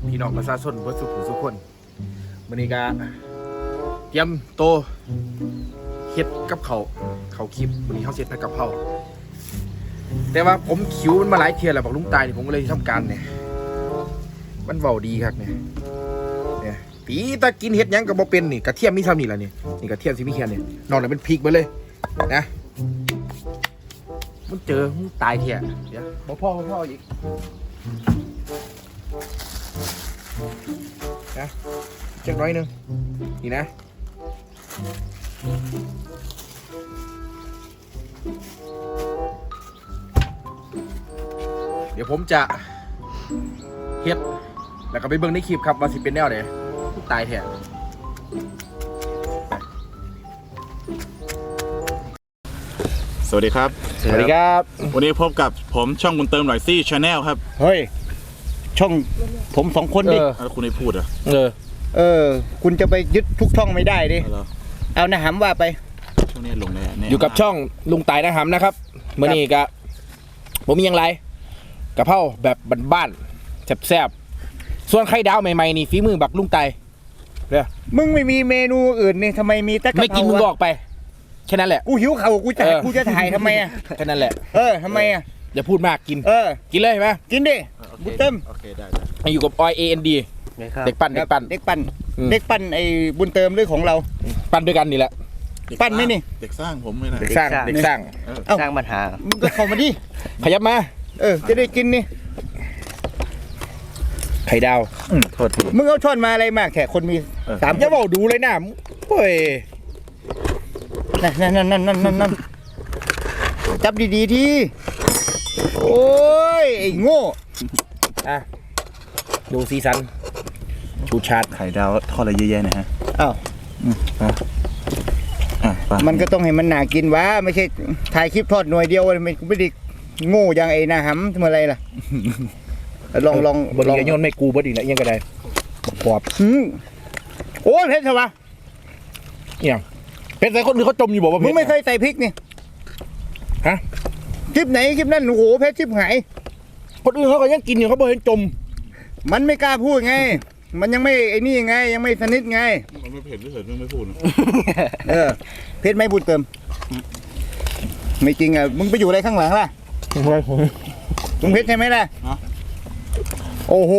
พี่น้องประชาชนเพื่อสุขสุขคนมื้อนี้ก็เตรียมโตเฮ็ดกับเขาคลิปมื้อนี้เขาเฮ็ดผัดกะเพราแต่ว่าผมคิวมันมาหลายเที่ยแล้วบอกลุงตายนี่ผมก็เลยทำการเนี่ยมันเว้าดีครับเนี่ยตีตากินเฮ็ดหยังก็บ่เป็นนี่กระเทียมมีเท่านี้ล่ะนี่กระเทียมสิมีแค่นี้นอกนั้นเป็นพริกไปเลยนะมันเจอมันตายเที่ยเดี๋ยวพ่ออีกนะเช็คน้อยนึงนี่นะเดี๋ยวผมจะเฮ็ดแล้วก็ไปเบิ่งในคลิปครับว่าสิเป็นแนวไหนตายแท้สวัสดีครับสวัสดีครับวันนี้พบกับผมช่องบุญเติมหน่อยซี่ชาแนลครับเฮ้ยช่องผมสองคนดิแล้วคุณได้พูดเหรอคุณจะไปยึดทุกช่องไม่ได้ดิแล้วเอานะหำว่าไปช่วงนี้ลงแน่อยู่กับช่องลุงตายนะครับนะครับเมื่อนี้ก็ผมมีอย่างไรกะเพราแบบบ้านๆแซ่บๆส่วนไข่ดาวใหม่ๆนี่ฝีมือบักลุงตายเด้อมึงไม่มีเมนูอื่นนี่ทำไมมีแต่กะเพราไม่กินมึงก็ออกไปแค่นั้นแหละกูหิวเข่ากูจะถ่ายทำไมอ่ะแค่นั้นแหละทำไมอ่ะอย่าพูดมากกินกินเลยใช่ไหมกินดิบุญเติมโอเคได้อยู่กับออย AND เด็กปั้นเด็กปั้นไอ้บุญเติมเรื่องของเราปั้นด้วยกันนี่แหละปั้นไหมนี่เด็กสร้างผมไม่ได้เด็กสร้างสร้างปัญหามึงก็เข้ามาดิขยับมาจะได้กินนี่ไข่ดาวโทษทีมึงเอาช้อนมาอะไรมากแค่คนมีสามอย่าบอกดูเลยนะเฮ้ยนั่นจับดีๆทีโอ้ยไอ้โง่อ่ะดูสีสันชูชาติไข่ดาวทอดอะไรเยอะแยะนะฮะอ้าว มันก็ต้องให้มันหนากินวะไม่ใช่ถ่ายคลิปทอดหน่วยเดียวไม่ได้โง่อย่างไอ้นาหำทำอะไรล่ะ ลองบริยโยนไม่กูบดีนะยังก็ได้ปอบโอ้ยเพชรวะเนี่ยเป็นใส่คนอื่นเขาจมอยู่บอกว่ามึงไม่เคยใส่พริกนี่ฮะคลิปไหนคลิปนั้นโอ้โหเพชรชิบหายคนอื่นเขาก็ยังกินอยู่เขาบอกเห็นจมมันไม่กล้าพูดไง มันยังไม่ไอ้นี่ไง ยังไม่สนิทไงมันไม่เผ็ดไม่เผ็ดไม่พูดเพชรไม่พูดเติม ไม่จริงอ่ะมึงไปอยู่อะไรข้างหลังล่ะมึงเพชรใช่ไหมล่ะโอ้โห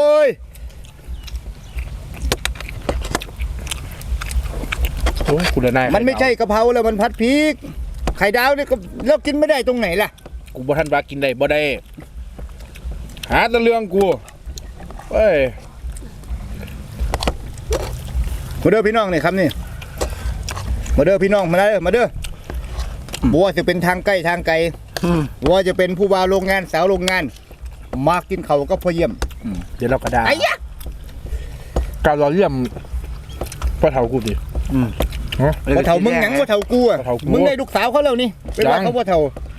คุณนายมันไม่ใช่กะเพราแล้วมันผัดพริกไข่ดาวเนี่ยก็เรากินไม่ได้ตรงไหนล่ะกูบ่ทันว่ากินได้บ่ได้หาแต่เรื่องกูเฮ้ยมาเด้อพี่น้องนี่ครับนี่มาเด้อพี่น้องมาเด้อบัวจะเป็นทางใกล้ทางไกลบัวจะเป็นผู้บ่าวโรงงานสาวโรงงานมากินเขาก็พอเยี่ยมเดี๋ยวเรากระดาไอ้ยะการเราเยี่ยมพ่อเฒ่ากูดิว่าเฒ่ามึงหยังว่าเฒ่ากูอ่ะว่าเฒ่ากูมึงได้ลูกสาวเขาแล้วนี่เป็นว่าเขาว่าเฒ่า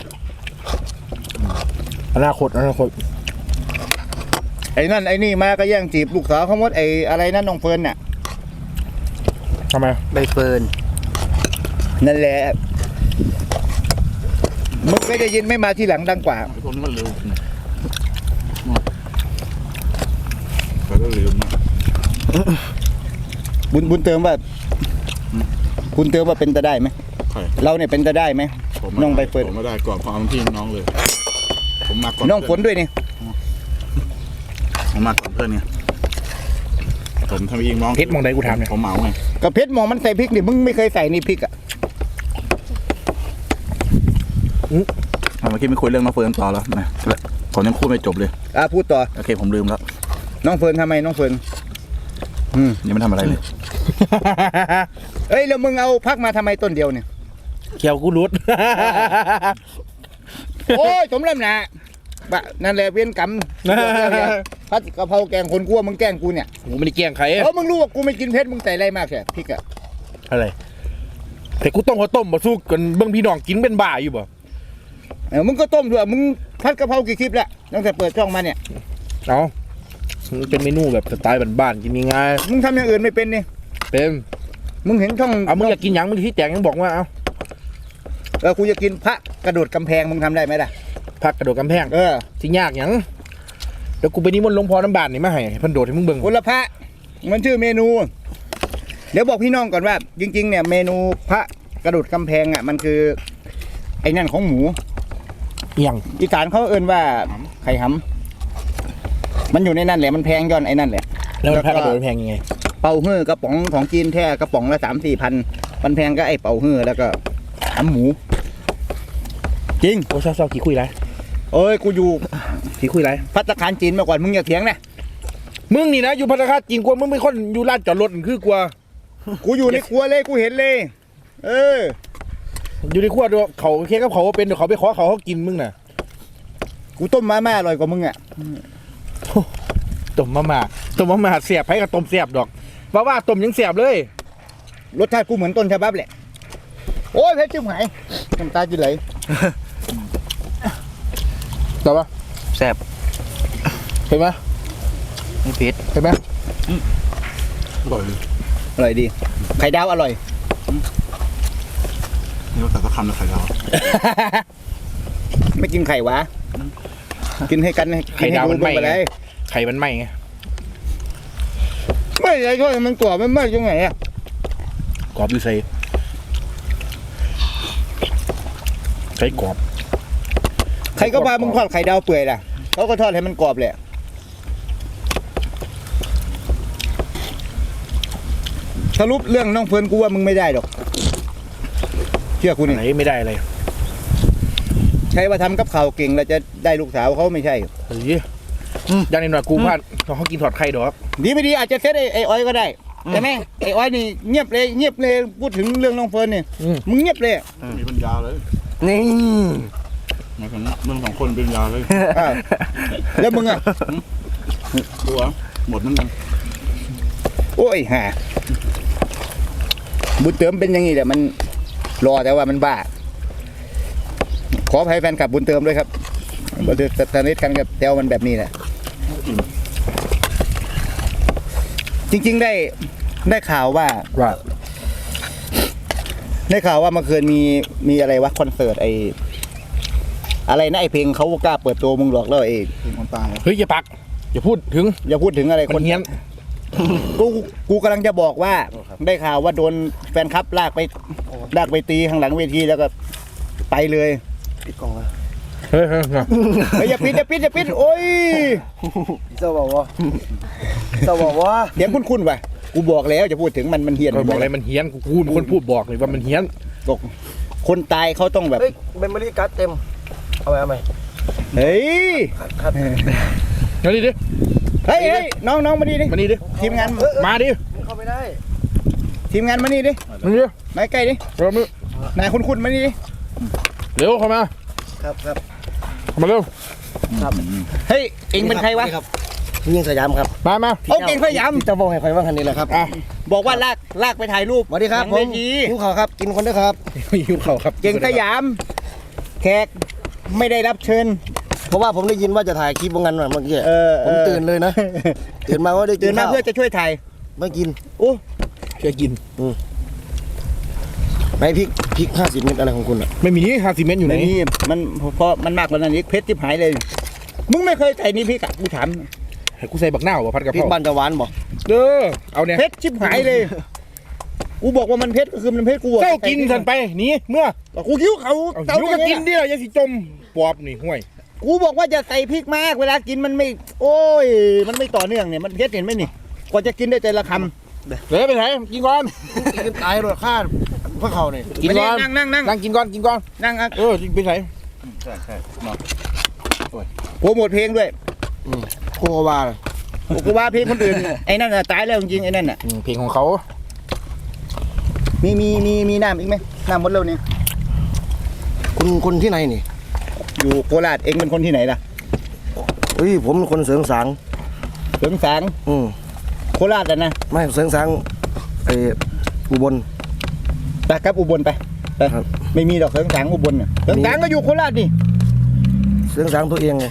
อนาคตไอ้นั่นไอ้นี่มาก็แย่งจีบลูกสาวเขาหมดไอ้อะไรนั่นน้องเฟิร์นน่ะทำไมใบเฟิร์นนั่นแหละมึงไม่ได้ยินไม่มาที่หลังดังกว่าไอ้พวกนี้มันเร็วไปก็ลืมนะบุญเติมว่าคุณเติมว่าเป็นตาได้ไหมใช่เราเนี่ยเป็นตาได้ไหมน้องใบเฟิร์นผมไม่ได้ก่อนพอเอาที่น้องเลย ผมมาก่อนน้องฝนด้วยนี่ผมมาก่อนเพื่อนไงผมทำเองน้องเพชรมองใดกูถามเนี่ยผมเหมาไงกับเพชรมองมันใส่พริกนี่มึงไม่เคยใส่นี่พริกอ่ะเมื่อกี้ไม่คุยเรื่องน้องเฟิร์นต่อแล้วนะผมยังพูดไม่จบเลยพูดต่อโอเคผมลืมแล้วน้องเฟิร์นทำไมน้องเฟิร์นยังไม่ทำอะไรเลยเอ้ยแล้วมึงเอาพักมาทำไมต้นเดียวเนี่ยเขียวกูรุดโอ้ยสมลำหนาบะนั่นแหละเวียนกรรมพัดกะเพราแกงคนกลัวมึงแกล้งกูเนี่ยกูไม่ได้แกล้งใครมึงรู้ว่ากูไม่กินเพชรมึงใส่อะไรมากแค่พริกอ่ะอะไรแต่กูต้มข้าวต้มมาสู้กันเบิ่งพี่น้องกินเป็นบ้าอยู่บ่มึงก็ต้มด้วยมึงพัดกะเพรากี่คลิปแล้วตั้งแต่เปิดช่องมาเนี่ยเอามันเป็นเมนูแบบสไตล์บ้านๆกินง่ายมึงทำอย่างอื่นไม่เป็นนี่ๆเป็นมึงเห็นช่องเอามึงอยากกินหยังมึงที่แจงยังบอกว่าเอากูจะกินพระกระโดดกำแพงมึงทำได้ไหมล่ะผักกระโดดกำแพงเออที่ยากหยังเดี๋ยวกูไปนิมนต์หลวงพ่อน้ำบาดนี่มาให้เพิ่นโดดให้มึงเบิ่งคนละพระมันชื่อเมนู เดี๋ยวบอกพี่น้องก่อนว่า จริงๆเนี่ยเมนูพระกระโดดกำแพงอ่ะมันคือไอ้นั่นของหมูเอียงอีสานเขาเอิ้นว่าไข่หำมันอยู่ในนั่นแหละมันแพงย้อนไอ้นั่นแหละแล้วมันพระกระโดดแพงยังไงเป่าฮื้อกระป๋องของจีนแท้กระป๋องละ3-4 พันมันแพงก็ไอ้เป่าฮื้อแล้วก็หำหมู จริงโอ้เศร้าๆขี้คุยไรเอ้ยกูอยู่ขี้คุยไรภัตตาคารจีนมาก่อนมึงอย่าเถียงนะมึงนี่นะอยู่พัฒนาคารจริงกว่ามึงเป็นคนอยู่ลานจอดรถคือกว่ากูอยู่ในครัวเลยกูเห็นเลย เอออยู่ในครัวดูเขาเค้กกับเขาว่าเป็นเดี๋ยวเขาไปขอเขากินมึงน่ะกูต้มมาม่าอร่อยกว่ามึงอ่ะต้มมาม่าเสียบให้กับต้มเสียบดอกว่าต้มยังเสียบเลยรสชาติกูเหมือนต้นฉบับแหละโอ้ยเพชรจิ้มหายน้ำตาจะไหลแต่ว่าแซ่บเห็นไหมไม่เผ็ดเห็นไหมอร่อยเลยอร่อยดีไข่ดาวอร่อยนี่ก็แต่ก็คำละไข่ดาวไม่กินไข่วะกินให้กันกินให้ดูไปเลยไข่มันไหม้ไงไม่ใช่ช่วยมันตัวมันไม่ยังไงอ่ะกรอบดูใส่ใส่กรอบใครก็พามึงทอดไข่ดาวเปื่อยล่ะเขาก็ทอดให้มันกรอบแหละสรุปเรื่องน้องเฟิร์นกูว่ามึงไม่ได้หรอกเชื่อกูนี่ไหนไม่ได้อะไรใช่ว่าทำกับข้าวเก่งแล้วจะได้ลูกสาวเขาไม่ใช่เฮ้ยอย่างนี้หน่อยกูพลาดเขากินถอดไข่ดอกดีไม่ดีอาจจะเซตไอ้อ้อยก็ได้ใช่ไหมไอ้อ้อยนี่เงียบเลยพูดถึงเรื่องน้องเฟิร์นนี่มึงเงียบเลยมีปัญญาเลยนี่หมายถึงเมืองสองคนเป็นยาเลยอ้าวแล้วมึงอ่ะตัวหมดนั่นเองโอ้ยห่าบุญเติมเป็นอย่างนี้แหละมันรอแต่ว่ามันบ้าขออภัยแฟนคลับบุญเติมด้วยครับบุญเติมสนิทกันกับแตวมันแบบนี้แหละจริงๆได้ข่าวว่าเมื่อคืนมีอะไรวะคอนเสิร์ตไออะไรนะไอเพลงเขากล้าเปิดตัวมึงหรอกแล้วไอเป็นคนตายเฮ้ยอย่าปักอย่าพูดถึงอย่าพูดถึงอะไรคนเฮี้ยนกูกำลังจะบอกว่าได้ข่าวว่าโดนแฟนคลับลากไปตีข้างหลังเวทีแล้วก็ไปเลยปิดกล่องแล้วเฮ้ยเฮ้ยอย่าปิดโอ้ยเจ้าบอกว่าเสียงคุ้นๆว่ะกูบอกแล้วจะพูดถึงมันเฮี้ยนก็บอกอะไรมันเฮี้ยนกูเป็นคนพูดบอกเลยว่ามันเฮี้ยนบอกคนตายเขาต้องแบบเฮ้ยเมมโมรี่การ์ดเต็มเอาไปเฮ้ยครับมาดิเฮ้ยน้องมานี่ดิมานี่ดิทีมงานมาดิเข้าไม่ได้ทีมงานมานี่ดิมาดิมาใกล้ดิเร็วมือนายคุ้นๆมานี่ดิเร็วเข้ามาครับเข้ามาเร็วเฮ้ยเอ็งเป็นใครวะยิงสยามครับมาเอาเก่งพยายามจะบอกให้ใครว่าคันนี้แหละครับอ่ะบอกว่าลากไปถ่ายรูปสวัสดีครับหผลัมงเวทีหิวข่าวครับ กินคนด้วยครับหิวเข่าครับเก่งสยาม แขกไม่ได้รับเชิญเพราะว่าผมได้ยินว่าจะถ่ายคลิปวงเงินเมื่อกี้ ผมตื่นเลยนะ ตื่นมาว่าได้กิตื่นนมาข้าวเพื่อจะช่วยถ่ายไม่กินโอ้เชื่อกินไหนพริก50 เม็ดอะไรของคุณอ่ะไม่มี50 เมตรอยู่ไหนไม่มีมันเพราะมันมากกว่านั้นอีกเพชรที่หายเลย มึงไม่เคยใส่นี่พี่กะกูถามให้กูใส่บักหน้าวะพัดกะพเพริกราบ้านจะหวานบ่เด้อเอาเนี่ยเพชรชิบหายเลย กูบอกว่ามันเพชรก็คือมันเพชรกูบอกเจ้ากินทันไปหนีเมื่อกูคิ้วเขาเอาหิวก็กินดิอย่าสิจมปอบนี่ห่วยกูบอกว่าจะใส่พริกมากเวลากินมันไม่ โอ้ย มันไม่ต่อเนื่องเนี่ยมันเพชรเห็นไหมนี่กว่าจะกินได้แต่ละคำเดี๋ยวไปไหนกินก่อนกินตายโดยค่าพวกเขาเนี่ยกินก่อนนั่งนั่งกินก่อนนั่งอ่ะไปไหนใช่เนาะโปรโมทเพลงด้วยโควากูว่าเพลงคนอื่นไอ้นั่นน่ะตายแล้วจริงๆไอ้นั่นน่ะเพลงของเขามีน้ำอีกไหมน้ำหมดแล้วเนี่ยคุณที่ไหนนี่อยู่โคราชเองเป็นคนที่ไหนล่ะเฮ้ยผมเป็นคนเสริงสางเสริงสาง โคราชอ่ะนะไม่เสริงสางไอ้อุบลไปครับอุบลไปครับไม่มีดอกเสริงสางอุบลน่ะเสริงสางก็อยู่โคราชนี่เสริงสางตัวเองไง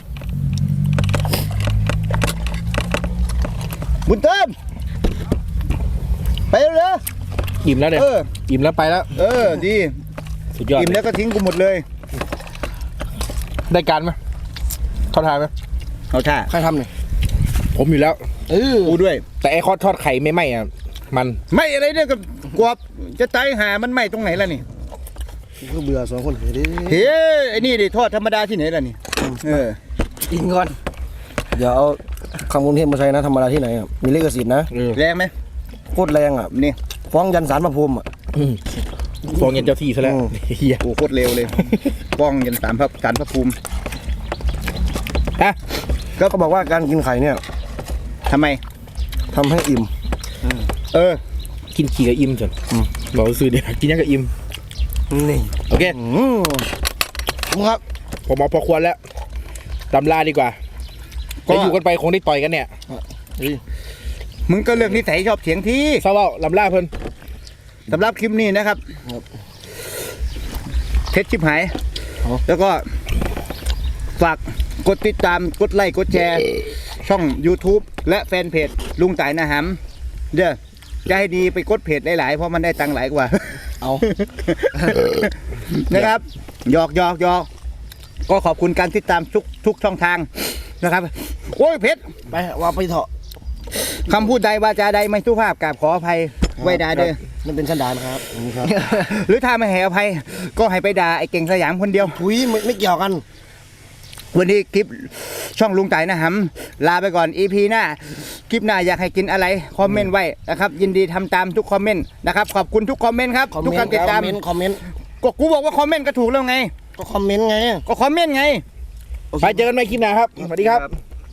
บุญเติมไปเร็วอิ่มแล้วๆเนี่ยอิ่มแล้วไปแล้วดีสุดยอดอิ่มแล้วก็ทิ้งกูหมดเลยได้การไหมเขาทายไหมเอาท่าใครทำเนี่ยผมอยู่แล้วกูด้วยแต่ไอ้ทอดไข่ไม่ไหม้อะมันไม่อะไรเนี่ยกับกวบจะตายหามันไหม้ตรงไหนล่ะนี่ก็เบื่อสองคนเดี๋ยวเฮ้ยไอ้นี่ดิทอดธรรมดาที่ไหนล่ะนี่กินก่อนเดี๋ยวเอาคำกรุงเทพมาใช้นะธรรมดาที่ไหนอ่ะมีลิขสิทธิ์นะแรงไหมโคตรแรงอ่ะนี่ฟ้องยันศาลพระภูมิอ่ะฟองเย็นเจ้าที่ซะแล้วอืมเฮียโอ้โคตรเร็วเลยป้องยันสารพระภูมิฮะก็บอกว่าการกินไข่เนี่ยทำไมทำให้อิ่มเออกินขี่กับอิ่มจนบอกซื้อเดี๋ยวกินยังกับอิ่มนี่โอเคครับผมเอาพอควรแล้วตำลาดีกว่าก็จะอยู่กันไปคงได้ต่อยกันเนี่ยมึงก็เลือกนิสัยชอบเถียงที่เศร้าเปล่าลำลาเพิ่นสำหรับคลิปนี้นะครับเท็จชิบหาย แล้วก็ฝากกดติดตามกดไลค์กดแชร์ ช่อง YouTube และแฟนเพจลุงต่ายนาหำเด้อจะให้ดีไปกดเพจหลายๆเพราะมันได้ตังค์หลายกว่าเอานะครับหยอกก็ขอบคุณการติดตามทุกช่องทางนะครับ โอ้ยเพชรไปว่าไปเถอะคำพูดใดวาจาใดไม่สุภาพกราบขออภัยไว้ด่าเด้อนั่นเป็นสันดานครับครับหรือถ้าไม่ให้อภัยก็ให้ไปด่าไอ้เก่งสยามคนเดียวถุยไม่เกี่ยวกันวันนี้คลิปช่องลุงต่ายนะหำลาไปก่อน EP หน้าคลิปหน้าอยากให้กินอะไรคอมเมนต์ไว้นะครับยินดีทำตามทุกคอมเมนต์นะครับขอบคุณทุกคอมเมนต์ครับทุกการติดตามคอมเมนต์ก็กูบอกว่าคอมเมนต์ก็ถูกแล้วไงก็คอมเมนต์ไงก็คอมเมนต์ไงไปเจอกันใหม่คลิปหน้าครับสวัสดีครับ